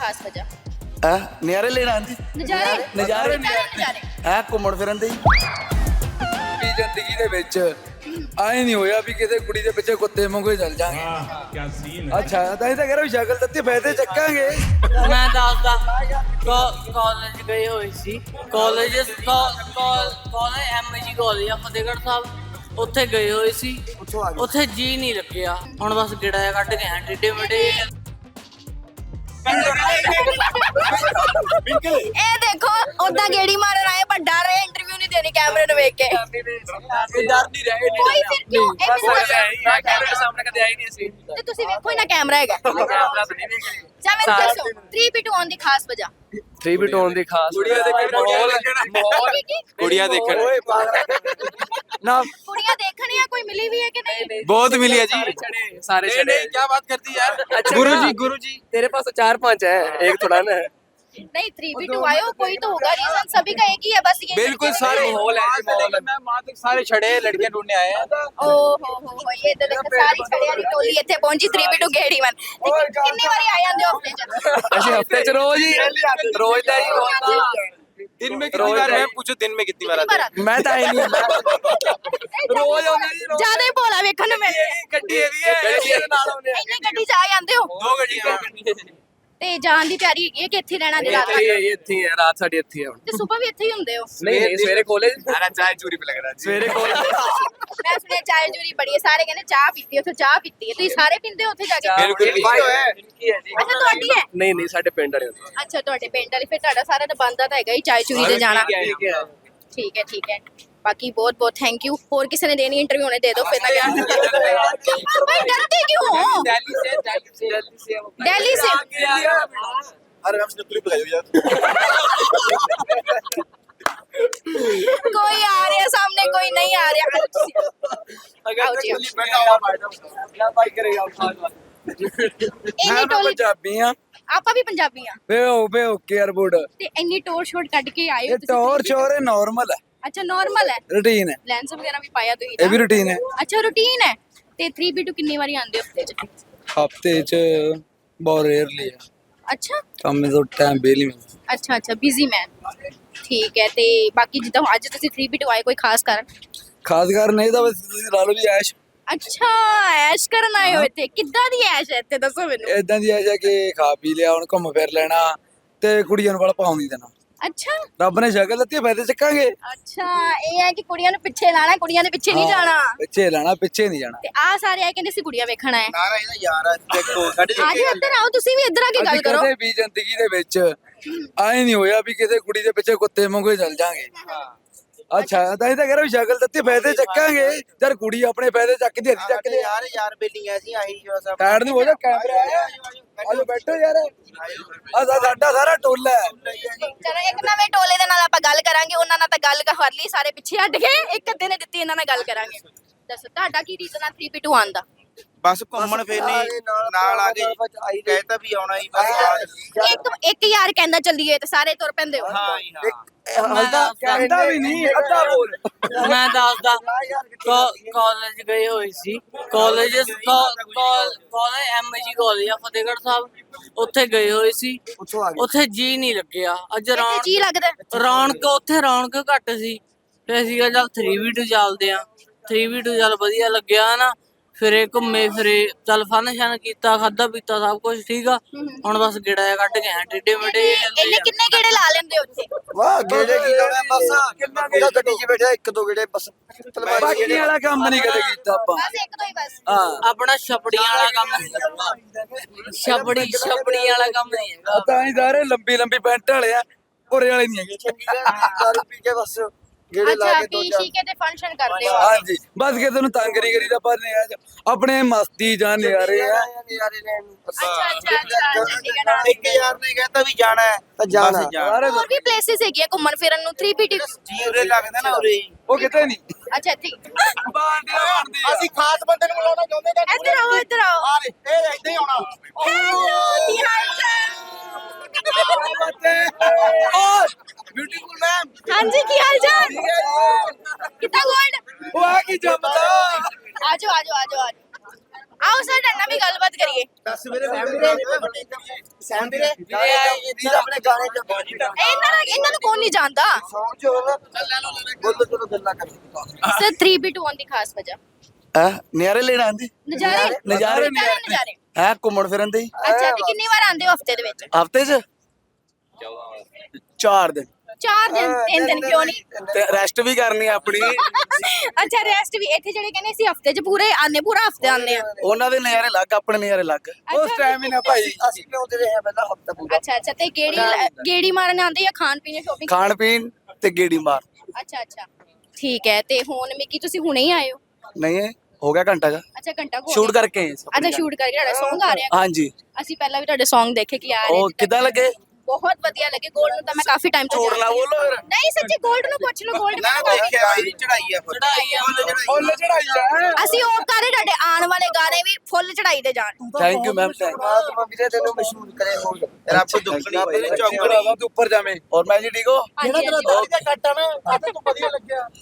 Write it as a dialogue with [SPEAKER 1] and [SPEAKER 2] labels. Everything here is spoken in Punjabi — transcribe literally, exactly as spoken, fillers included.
[SPEAKER 1] ਖਾਸ ਵਜ੍ਹਾ?
[SPEAKER 2] ਆ ਨਿਆਰੇ ਲੈਣਾ ਆਂਦੀ
[SPEAKER 1] ਨਜ਼ਾਰੇ
[SPEAKER 2] ਨਜ਼ਾਰੇ
[SPEAKER 1] ਨਜ਼ਾਰੇ
[SPEAKER 2] ਆ ਘੁੰਮਣ ਫਿਰਨ ਦੇ ਵੀ ਜ਼ਿੰਦਗੀ ਦੇ ਵਿੱਚ ਆਏ ਨਹੀਂ ਹੋਇਆ ਵੀ ਕਿਸੇ ਕੁੜੀ ਦੇ ਪਿੱਛੇ ਕੁੱਤੇ ਵਾਂਗੂ ਚੱਲ ਜਾਾਂਗੇ।
[SPEAKER 3] क्या सीन है।
[SPEAKER 2] ਅੱਛਾ ਤਾਂ ਇਹ ਤਾਂ ਕਹਿ ਰਿਹਾ ਵੀ ਸ਼ਕਲ ਦਿੱਤੀ ਫਾਇਦੇ ਚੱਕਾਂਗੇ।
[SPEAKER 4] ਮੈਂ ਦੱਸਦਾ ਕਾਲਜ ਗਏ ਹੋਏ ਸੀ ਕਾਲਜ ਕਾਲਜ ਐਮਜੀ ਕਾਲਜ ਆ ਫਤਿਹਗੜ੍ਹ ਸਾਹਿਬ ਉੱਥੇ ਗਏ ਹੋਏ ਸੀ ਉੱਥੇ ਜੀ ਨਹੀਂ ਲੱਗਿਆ ਹੁਣ ਬਸ ਗਿੜਾ ਜਿਹਾ ਕੱਢ ਕੇ ਆਂ ਟਿੱਡੇ ਮਡੇ
[SPEAKER 1] ਇਹ ਦੇਖੋ ਉਦਾਂ ਗੇੜੀ ਮਾਰਨ ਆਏ ਪਰ ਡਰ ਰਹੇ ਇੰਟਰਵਿਊ ਨਹੀਂ ਦੇਣੀ ਕੈਮਰੇ ਨੂੰ ਵੇਖ ਕੇ
[SPEAKER 2] ਡਰ ਨਹੀਂ ਰਹੇ
[SPEAKER 1] ਕੋਈ ਫਿਰ ਕਿਉਂ ਇਹ ਮੈਨੂੰ ਦੱਸੋ।
[SPEAKER 2] ਕੈਮਰੇ ਸਾਹਮਣੇ ਕਦੇ ਆਈ ਨਹੀਂ ਸੀ
[SPEAKER 1] ਤੇ ਤੁਸੀਂ ਵੇਖੋ ਹੀ ਨਾ ਕੈਮਰਾ ਹੈਗਾ ਜਾਂ ਮੈਨੂੰ ਦੱਸੋ ਥ੍ਰੀ ਬੀ ਟੂ ਆਉਣ ਦੀ ਖਾਸ ਵਜ੍ਹਾ?
[SPEAKER 5] ਥ੍ਰੀ ਬੀ ਟੋਨ ਦੀ ਖਾਸ
[SPEAKER 2] ਕੁੜੀਆਂ ਦੇਖਣ ਮਾਹੌਲ
[SPEAKER 5] ਕੁੜੀਆਂ ਦੇਖਣ
[SPEAKER 2] ਨਾ
[SPEAKER 1] ਕੁੜੀਆਂ ਦੇਖਣੀਆਂ ਕੋਈ ਮਿਲੀ ਵੀ ਹੈ ਕਿ ਨਹੀਂ?
[SPEAKER 5] बहुत मिली है जी सारे छड़े
[SPEAKER 2] क्या बात करती यार।
[SPEAKER 5] अच्छा गुरु जी गुरु जी तेरे पास तो चार पांच है एक थोड़ा ना है
[SPEAKER 1] नहीं थ्री बी टू आयो कोई तो होगा रीजन सभी का एक ही है बस ये
[SPEAKER 5] बिल्कुल सारे माहौल है जी माहौल है मैं मां तक सारे छड़े लड़कियां ढूंढने आए हैं
[SPEAKER 1] ओ हो हो हो ये तो देखो सारी छड़े वाली टोली ਇੱਥੇ ਪਹੁੰਚੀ थ्री बी टू ਗੇੜੀ ਵਨ ਕਿੰਨੀ ਵਾਰੀ ਆ ਜਾਂਦੇ ਹੋ ਹਫਤੇ ਚ?
[SPEAKER 5] ऐसे हफ्ते च रोज ही रोज दा ही रोज दा
[SPEAKER 2] दिन में कितनी बार है पूछो दिन में कितनी बार आते
[SPEAKER 5] मैं तो आई नहीं
[SPEAKER 2] रोज आਉਂਦੇ ਜੀ
[SPEAKER 1] ਜਿਆਦਾ ਹੀ ਭੋਲਾ ਵੇਖਣ ਨੂੰ ਮਿਲਦਾ
[SPEAKER 2] ਗੱਡੀ ਇਹਦੀ ਹੈ ਗੱਡੀ ਦੇ ਨਾਲ ਆਉਂਦੇ
[SPEAKER 1] ਇੰਨੀ ਗੱਡੀ ਚ ਆ ਜਾਂਦੇ ਹੋ
[SPEAKER 2] ਦੋ ਗੱਡੀਆਂ
[SPEAKER 1] ਤੇ ਜਾਣ ਦੀ ਤਿਆਰੀ ਹੈਗੀ ਹੈ ਕਿ ਇੱਥੇ ਰਹਿਣਾ ਦੀ ਰਾਤ
[SPEAKER 5] ਇੱਥੇ ਹੀ ਇੱਥੇ ਹੀ ਹੈ ਰਾਤ ਸਾਡੀ ਇੱਥੇ ਹੀ ਹੈ ਹੁਣ
[SPEAKER 1] ਤੇ ਸਵੇਰ ਵੀ ਇੱਥੇ ਹੀ ਹੁੰਦੇ ਹੋ?
[SPEAKER 5] ਨਹੀਂ ਨਹੀਂ ਸਵੇਰੇ ਕਾਲਜ ਸਾਰਾ ਚਾय चूरी पे लग रहा है सवेरे कालेज
[SPEAKER 1] ਮੈਂ ਸੁਣਿਆ ਚਾय ਚੂਰੀ ਬੜੀ ਹੈ ਸਾਰੇ ਕਹਿੰਦੇ ਚਾਹ ਪੀਤੀ ਉੱਥੇ ਚਾਹ ਪੀਤੀ ਹੈ ਤੁਸੀਂ ਸਾਰੇ ਪੀਂਦੇ ਹੋ ਉੱਥੇ ਜਾ ਕੇ?
[SPEAKER 5] ਬਿਲਕੁਲ
[SPEAKER 2] ਹੈ
[SPEAKER 1] ਅੱਛਾ ਤੁਹਾਡੀ ਹੈ?
[SPEAKER 5] ਨਹੀਂ ਨਹੀਂ ਸਾਡੇ ਪਿੰਡ ਵਾਲੇ ਹੁੰਦੇ
[SPEAKER 1] ਅੱਛਾ ਤੁਹਾਡੇ ਪਿੰਡ ਵਾਲੀ ਫਿਰ ਤੁਹਾਡਾ ਸਾਰਾ ਤਾਂ ਬੰਦਾ ਤਾਂ ਹੈਗਾ ਹੀ ਚਾय ਚੂਰੀ ਤੇ ਜਾਣਾ
[SPEAKER 5] ਠੀਕ ਹੈ
[SPEAKER 1] ਠੀਕ ਹੈ ਠੀਕ ਹੈ ਬਾਕੀ ਬਹੁਤ ਬਹੁਤ ਥੈਂਕ ਯੂ ਹੋਰ ਕਿਸੇ ਨੇ ਦੇਣੀ ਇੰਟਰਵਿਊ ਨੇ ਦੇ ਦਿਓ ਫਿਰ ਤਾਂ क्या भाई डरते क्यों हो?
[SPEAKER 5] दिल्ली से दिल्ली से दिल्ली से
[SPEAKER 1] दिल्ली से
[SPEAKER 2] अरे हम इसने क्लिप लगाई यार
[SPEAKER 1] कोई आ रहा है सामने कोई नहीं आ रहा आओ जी, आओ।
[SPEAKER 5] क्या बात करेगा
[SPEAKER 1] ਇੰਨੀ
[SPEAKER 2] ਮੈਂ
[SPEAKER 1] ਟੋਲੀ
[SPEAKER 2] ਪੰਜਾਬੀ ਆ
[SPEAKER 1] ਆਪਾਂ ਵੀ ਪੰਜਾਬੀ ਆ
[SPEAKER 2] ਵੇ ਵੇ ਓਕੇ 에어ਪੋਰਟ
[SPEAKER 1] ਤੇ ਇੰਨੀ ਟੋਰ ਸ਼ੋਟ ਕੱਢ ਕੇ ਆਏ ਹੋ
[SPEAKER 2] ਇਹ ਟੌਰ ਸ਼ੋਰ ਨਾਰਮਲ ਹੈ
[SPEAKER 1] ਅੱਛਾ ਨਾਰਮਲ ਹੈ
[SPEAKER 2] ਰੂਟੀਨ ਹੈ
[SPEAKER 1] ਲੈਂਸ ਵਗੈਰਾ ਵੀ ਪਾਇਆ ਤੁਸੀਂ
[SPEAKER 2] ਇਹ ਵੀ ਰੂਟੀਨ ਹੈ
[SPEAKER 1] ਅੱਛਾ ਰੂਟੀਨ ਹੈ ਤੇ ਥ੍ਰੀ ਬੀ ਟੂ ਕਿੰਨੀ ਵਾਰੀ ਆਉਂਦੇ ਹੋ ਹਫਤੇ ਚ?
[SPEAKER 2] ਹਫਤੇ ਚ ਬਹੁਤ ਰੇਅਰਲੀ ਆ
[SPEAKER 1] ਅੱਛਾ
[SPEAKER 2] ਕੰਮ ਤੋਂ ਟਾਈਮ ਬੇਲੀ ਮਿਲਦਾ
[SPEAKER 1] ਅੱਛਾ ਅੱਛਾ ਬਿਜ਼ੀ ਮੈਨ ਠੀਕ ਹੈ ਤੇ ਬਾਕੀ ਜਿੱਦਾਂ ਅੱਜ ਤੁਸੀਂ ਥ੍ਰੀ ਬੀ ਟੂ ਆਏ ਕੋਈ ਖਾਸ ਕਾਰਨ?
[SPEAKER 2] ਖਾਸ ਕਰ ਨਹੀਂ ਤਾਂ ਬਸ ਤੁਸੀਂ ਲਾ ਲਓ ਵੀ ਐਸ਼
[SPEAKER 1] ਅੱਛਾ ਐਸ਼ ਕਰਨ ਆਏ ਹੋ ਇੱਥੇ ਕਿੱਦਾਂ ਦੀ ਐਸ਼ ਹੈ ਇੱਥੇ ਦੱਸੋ ਮੈਨੂੰ
[SPEAKER 2] ਇਦਾਂ ਦੀ ਐਸ਼ ਹੈ ਕਿ ਖਾ ਪੀ ਲਿਆ ਹੁਣ ਘੁੰਮ ਫਿਰ ਲੈਣਾ ਤੇ ਕੁੜੀਆਂ ਨੂੰ ਵਾਲਾ ਪਾਉਣ ਨਹੀਂ ਦੇਣਾ
[SPEAKER 1] ਅੱਛਾ
[SPEAKER 2] ਰੱਬ ਨੇ ਸ਼ਕਲ ਦਿੱਤੀ ਫਾਇਦੇ ਚੱਕਾਂਗੇ
[SPEAKER 1] ਅੱਛਾ ਇਹ ਹੈ ਕਿ ਕੁੜੀਆਂ ਨੂੰ ਪਿੱਛੇ ਲਾਣਾ ਕੁੜੀਆਂ ਦੇ ਪਿੱਛੇ ਨਹੀਂ ਜਾਣਾ
[SPEAKER 2] ਪਿੱਛੇ ਲੈਣਾ ਪਿੱਛੇ ਨਹੀਂ ਜਾਣਾ
[SPEAKER 1] ਤੇ ਆ ਸਾਰੇ ਆਏ ਕਹਿੰਦੇ ਸੀ ਕੁੜੀਆਂ ਵੇਖਣ ਆਏ
[SPEAKER 2] ਨਾ ਇਹਦਾ ਯਾਰ ਦੇਖੋ ਸਾਡੇ
[SPEAKER 1] ਆ ਜਾਓ ਇੱਧਰ ਆਓ ਤੁਸੀਂ ਵੀ ਇੱਧਰ ਆ ਕੇ ਗੱਲ ਕਰੋ
[SPEAKER 2] ਕਦੇ ਵੀ ਜ਼ਿੰਦਗੀ ਦੇ ਵਿੱਚ ਆਏ ਨਹੀਂ ਹੋਇਆ ਵੀ ਕਿਸੇ ਕੁੜੀ ਦੇ ਪਿੱਛੇ ਕੁੱਤੇ ਵਾਂਗੂ ਚੱਲ ਜਾਾਂਗੇ। ਅੱਛਾ ਤਾਂ ਇਹ ਤਾਂ ਕਹਿ ਰਿਹਾ ਵੀ ਸ਼ਕਲ ਦਿੱਤੀ ਫਾਇਦੇ ਚੱਕਾਂਗੇ ਜਦ ਕੁੜੀ ਆਪਣੇ ਫਾਇਦੇ ਚੱਕਦੀ ਹੱਥ ਚੱਕਦੇ
[SPEAKER 6] ਯਾਰ ਯਾਰ ਬੇਲੀਆਂ ਸੀ ਆਹੀ ਜੋ ਸਭ
[SPEAKER 2] ਸਾਈਡ ਨੂੰ ਹੋ ਜਾ ਕੈਮਰਾ ਆਇਆ ਆਜੋ ਬੈਠੋ ਯਾਰ ਆ ਸਾਡਾ ਸਾਰਾ ਟੋਲਾ ਹੈ।
[SPEAKER 1] ਚਲੋ ਇੱਕ ਨਵੇਂ ਟੋਲੇ ਦੇ ਨਾਲ ਆਪਾਂ ਗੱਲ ਕਰਾਂਗੇ ਉਹਨਾਂ ਨਾਲ ਤਾਂ ਗੱਲ ਕਰ ਲਈ ਸਾਰੇ ਪਿੱਛੇ ਹਟ ਗਏ ਇੱਕ ਅੱਧੇ ਨੇ ਦਿੱਤੀ ਇਹਨਾਂ ਨਾਲ ਗੱਲ ਕਰਾਂਗੇ ਦੱਸੋ ਤੁਹਾਡਾ ਕੀ ਰੀਜ਼ਨ ਆ ਥ੍ਰੀ ਬੀ ਟੂ ਆਉਣ ਦਾ?
[SPEAKER 6] ਬਸ ਘੁੰਮਣ ਫਿਰਨੀ ਨਾਲ ਆ ਗਏ ਕਹਿਤਾ ਵੀ ਆਉਣਾ ਹੀ ਬਸ
[SPEAKER 1] ਇੱਕ ਇੱਕ ਯਾਰ ਕਹਿੰਦਾ ਚੱਲੀਏ ਤੇ ਸਾਰੇ ਤੁਰ ਪੈਂਦੇ ਹੋ
[SPEAKER 6] ਹਾਂ ਹੀ ਹਾਂ
[SPEAKER 2] ਹਲਦਾ ਕਹਿੰਦਾ ਵੀ ਨਹੀਂ ਅੱਧਾ ਬੋਲ
[SPEAKER 4] ਮੈਂ ਦੱਸਦਾ ਕਾਲਜ ਗਏ ਹੋਏ ਸੀ ਕਾਲਜ ਕਾਲਜ ਐਮਜੀ ਕਾਲਜ ਆ ਫਤਿਹਗੜ੍ਹ ਸਾਹਿਬ ਉੱਥੇ ਗਏ ਹੋਏ ਸੀ ਉੱਥੇ ਜੀ ਨਹੀਂ ਲੱਗਿਆ ਅੱਜ
[SPEAKER 1] ਇੱਥੇ
[SPEAKER 4] ਰੌਣਕ
[SPEAKER 1] ਜੀ ਲੱਗਦਾ
[SPEAKER 4] ਰੌਣਕ ਉੱਥੇ ਰੌਣਕ ਘੱਟ ਸੀ ਫਿਰ ਅਸੀਂ ਕਿਹਾ ਚੱਲ ਥ੍ਰੀ ਬੀ ਟੂ ਚੱਲਦੇ ਆ ਥ੍ਰੀ ਬੀ ਟੂ ਚੱਲ ਵਧੀਆ ਲੱਗਿਆ ਨਾ ਫਿਰੇ ਘੁੰਮੇ ਫਿਰੇ ਚੱਲ ਫਨ ਸ਼ਨ ਕੀਤਾ ਖਾਦਾ ਪੀਤਾ ਸਭ ਕੁਝ ਠੀਕ ਆ ਹੁਣ ਬਸ ਗਿੜਾ ਜਿਹਾ ਕੱਢ ਕੇ ਆਂ ਟਿੱਡੇ ਮਡੇ
[SPEAKER 1] ਇਹਨੇ ਕਿੰਨੇ ਗੇੜੇ ਲਾ ਲੈਂਦੇ ਹੋ ਉੱਥੇ?
[SPEAKER 2] ਵਾਹ ਗੇੜੇ ਕੀ ਲਾਉਣਾ ਬਸ ਕਿੰਨਾ ਗੇੜਾ ਗੱਡੀ 'ਚ ਬੈਠਾ ਇੱਕ ਦੋ ਗੇੜੇ ਬਸ ਬਾਕੀ ਵਾਲਾ ਕੰਮ ਨਹੀਂ ਕਦੇ ਕੀਤਾ ਆਪਾਂ
[SPEAKER 1] ਬਸ ਇੱਕ ਦੋ ਹੀ ਬਸ
[SPEAKER 2] ਹਾਂ
[SPEAKER 4] ਆਪਣਾ ਛਪੜੀਆਂ ਵਾਲਾ ਕੰਮ ਛਪੜੀ ਛਪੜੀ ਵਾਲਾ ਕੰਮ ਨਹੀਂ ਹੈਗਾ
[SPEAKER 2] ਤਾਂ ਹੀ ਸਾਰੇ ਲੰਬੀ ਲੰਬੀ ਪੈਂਟ ਵਾਲੇ ਆ ਉਰੇ ਵਾਲੇ ਨਹੀਂ ਹੈਗੇ ਦਾਰੂ ਪੀ ਕੇ ਬਸ ਗੇੜੇ ਲਾ
[SPEAKER 1] ਅੱਛਾ
[SPEAKER 2] ਕੇ ਦੋ
[SPEAKER 1] ਪੀ
[SPEAKER 2] ਚਾਰ
[SPEAKER 1] ਸ਼ੀ ਕੇ ਤੇ ਫੰਕਸ਼ਨ ਕਰਦੇ ਹੋ
[SPEAKER 2] ਹਾਂਜੀ ਬਸ ਕਿਸੇ ਨੂੰ ਤੰਗ ਨਹੀਂ ਕਰੀਦਾ ਪਰ ਨਹੀਂ ਆਪਣੇ ਮਸਤੀ ਜਾਂ ਨਿਆਰੇ ਆ
[SPEAKER 6] ਨਜ਼ਾਰੇ ਲੈਣ ਨੂੰ
[SPEAKER 1] ਅੱਛਾ ਅੱਛਾ ਅੱਛਾ ਚੰਡੀਗੜ੍ਹ
[SPEAKER 6] ਇੱਕ ਯਾਰ ਨੇ ਕਹਿਤਾ ਵੀ ਜਾਣਾ ਹੈ ਤਾਂ ਜਾਣਾ
[SPEAKER 2] ਸਾਰੇ
[SPEAKER 1] ਹੋਰ ਵੀ ਪਲੇਸਿਸ ਹੈਗੀਆਂ ਘੁੰਮਣ ਫਿਰਨ ਨੂੰ ਥ੍ਰੀ ਬੀ ਟੂ
[SPEAKER 6] ਜੀ ਉਰੇ ਲੱਗਦਾ ਨਾ ਉਰੇ ਹੀ।
[SPEAKER 2] ਉਹ ਕਿਤੇ ਨਹੀਂ
[SPEAKER 1] ਅੱਛਾ ਇੱਥੇ ਹੀ।
[SPEAKER 2] ਬਾਂਡੀਆਂ ਬਣਦੀ ਆ
[SPEAKER 6] ਅਸੀਂ ਖਾਸ ਬੰਦੇ ਨੂੰ ਮਿਲਾਉਣਾ ਚਾਹੁੰਦੇ ਤਾਂ
[SPEAKER 1] ਇੱਧਰ ਆਓ ਇੱਧਰ ਆਓ
[SPEAKER 6] ਆ ਰੇ ਇਹ ਏਦਾਂ ਹੀ ਆਉਣਾ
[SPEAKER 1] ਹੈਲੋ ਕੀ ਹਾਲ ਚਾਲ
[SPEAKER 2] ਬਿਊਟੀਫੁਲ ਮੈਮ
[SPEAKER 1] ਹਾਂਜੀ ਕੀ ਹਾਲ ਚਾਲ ਕਿੱਦਾਂ ਗੋਲਡ
[SPEAKER 2] ਉਹ ਆ ਕੀ ਜੰਮਦਾ
[SPEAKER 1] ਆਜੋ ਆਜੋ ਆਜੋ ਆਜੋ ਆਓ ਸਰ ਡੰਡਾ ਵੀ ਗੱਲਬਾਤ ਕਰੀਏ
[SPEAKER 6] ਦੱਸ ਵੀਰੇ
[SPEAKER 3] ਸੈਮ ਵੀਰੇ ਵੀਰੇ ਆਪਣੇ ਗਾਣੇ ਚ
[SPEAKER 1] ਇਹਨਾਂ ਨੂੰ ਇਹਨਾਂ ਨੂੰ ਕੌਣ ਨਹੀਂ ਜਾਣਦਾ
[SPEAKER 3] ਸੌਂਗ ਚ ਹੋਣਾ ਬੋਲੋ ਚਲੋ ਗੱਲਾਂ ਕਰ
[SPEAKER 1] ਸਰ ਥ੍ਰੀ ਬੀ ਟੂ ਦੀ ਖਾਸ ਵਜ੍ਹਾ
[SPEAKER 3] ਆ ਨਿਆਰੇ ਲੈਣ ਆਂਦੇ
[SPEAKER 1] ਨਜ਼ਾਰੇ
[SPEAKER 3] ਨਜ਼ਾਰੇ
[SPEAKER 1] ਨਜ਼ਾਰੇ
[SPEAKER 3] ਹੈ ਘੁੰਮਣ ਫਿਰਨ ਦੇ
[SPEAKER 1] ਅੱਛਾ ਤੇ ਕਿੰਨੀ ਵਾਰ ਆਉਂਦੇ ਹੋ ਹਫਤੇ ਦੇ ਵਿੱਚ
[SPEAKER 3] ਹਫਤੇ ਚ ਚਾਰ ਦਿਨ
[SPEAKER 1] ਚਾਰ ਦਿਨ ਤਿੰਨ ਦਿਨ ਕਿਉਂ ਨਹੀਂ
[SPEAKER 3] ਤੇ ਰੈਸਟ ਵੀ ਕਰਨੀ ਆ ਆਪਣੀ
[SPEAKER 1] ਅੱਛਾ ਰੈਸਟ ਵੀ ਇੱਥੇ ਜਿਹੜੇ ਕਹਿੰਦੇ ਸੀ ਹਫਤੇ 'ਚ ਪੂਰੇ ਆਨੇ ਪੂਰਾ ਹਫਤੇ ਆਨੇ ਆ
[SPEAKER 3] ਉਹਨਾਂ ਦੇ ਨਜ਼ਾਰੇ ਲੱਗ ਆਪਣੇ ਨਜ਼ਾਰੇ ਲੱਗ
[SPEAKER 2] ਉਸ ਟਾਈਮ ਹੀ ਨਾ ਭਾਈ
[SPEAKER 3] ਅਸੀਂ ਪਿਉਂਦੇ ਰਹੇ ਪਹਿਲਾਂ ਹਫਤਾ ਪੂਰਾ
[SPEAKER 1] ਅੱਛਾ ਅੱਛਾ ਤੇ ਗੇੜੀ ਗੇੜੀ ਮਾਰਨ ਆਉਂਦੇ ਜਾਂ ਖਾਣ ਪੀਣ ਸ਼ੋਪਿੰਗ
[SPEAKER 3] ਖਾਣ ਪੀਣ ਤੇ ਗੇੜੀ ਮਾਰ
[SPEAKER 1] ਅੱਛਾ ਅੱਛਾ ਠੀਕ ਹੈ ਤੇ ਹੁਣ ਮਿੱਕੀ ਤੁਸੀਂ ਹੁਣੇ ਹੀ ਆਏ ਹੋ
[SPEAKER 3] ਨਹੀਂ ਇਹ ਹੋ ਗਿਆ ਘੰਟਾ ਦਾ
[SPEAKER 1] ਅੱਛਾ ਘੰਟਾ ਕੋ
[SPEAKER 3] ਸ਼ੂਟ ਕਰਕੇ ਆਏ ਸੀ
[SPEAKER 1] ਅੱਛਾ ਸ਼ੂਟ ਕਰਕੇ ਤੁਹਾਡਾ Song ਆ ਰਿਹਾ
[SPEAKER 3] ਹਾਂਜੀ
[SPEAKER 1] ਅਸੀਂ ਪਹਿਲਾਂ ਵੀ ਤੁਹਾਡੇ Song ਦੇਖੇ ਕਿ ਆ ਰਹੇ
[SPEAKER 3] ਉਹ ਕਿੱਦਾਂ ਲੱਗੇ
[SPEAKER 1] ਬਹੁਤ ਵਧੀਆ ਲੱਗੇ 골ਡ ਨੂੰ ਤਾਂ ਮੈਂ ਕਾਫੀ ਟਾਈਮ ਤੋਂ
[SPEAKER 3] ਝੂਠ ਨਾ
[SPEAKER 1] ਜਾਣਦੀ ਹਾਂ।
[SPEAKER 3] ਬੋਲੋ ਫਿਰ।
[SPEAKER 1] ਨਹੀਂ ਸੱਚੀ 골ਡ ਨੂੰ ਪੁੱਛ ਲਓ 골ਡ
[SPEAKER 6] ਨਾ
[SPEAKER 1] ਮੈਂ ਕਾਫੀ
[SPEAKER 6] ਦੇਖਿਆ ਵੀ ਚੜਾਈ ਆ
[SPEAKER 4] ਚੜਾਈ ਆ
[SPEAKER 2] ਫੁੱਲ ਚੜਾਈ ਆ
[SPEAKER 1] ਅਸੀਂ ਉਹ ਕਰੇ ਤੁਹਾਡੇ ਆਉਣ ਵਾਲੇ ਗਾਣੇ ਵੀ ਫੁੱਲ ਚੜਾਈ ਦੇ ਜਾਣ
[SPEAKER 3] ਥੈਂਕ ਯੂ ਮੈਮ ਥੈਂਕ ਪਰਮਾਤਮਾ ਵੀਰੇ ਤੈਨੂੰ ਮਸ਼ਹੂਰ ਕਰੇ ਹੋ
[SPEAKER 6] ਰੱਬ ਦੁੱਖਣੀ ਹੋਏ ਚੌਂਕੜੀ
[SPEAKER 2] ਭਰਾਵਾ ਤੂੰ ਉੱਪਰ ਜਾਵੇਂ
[SPEAKER 3] ਔਰ ਮੈਂ ਜੀ ਠੀਕ ਹੋ
[SPEAKER 1] ਹਾਂਜੀ, ਹਾਂਜੀ।
[SPEAKER 3] ਕੱਟ ਆ ਨਾ ਤੂੰ ਵਧੀਆ ਲੱਗਿਆ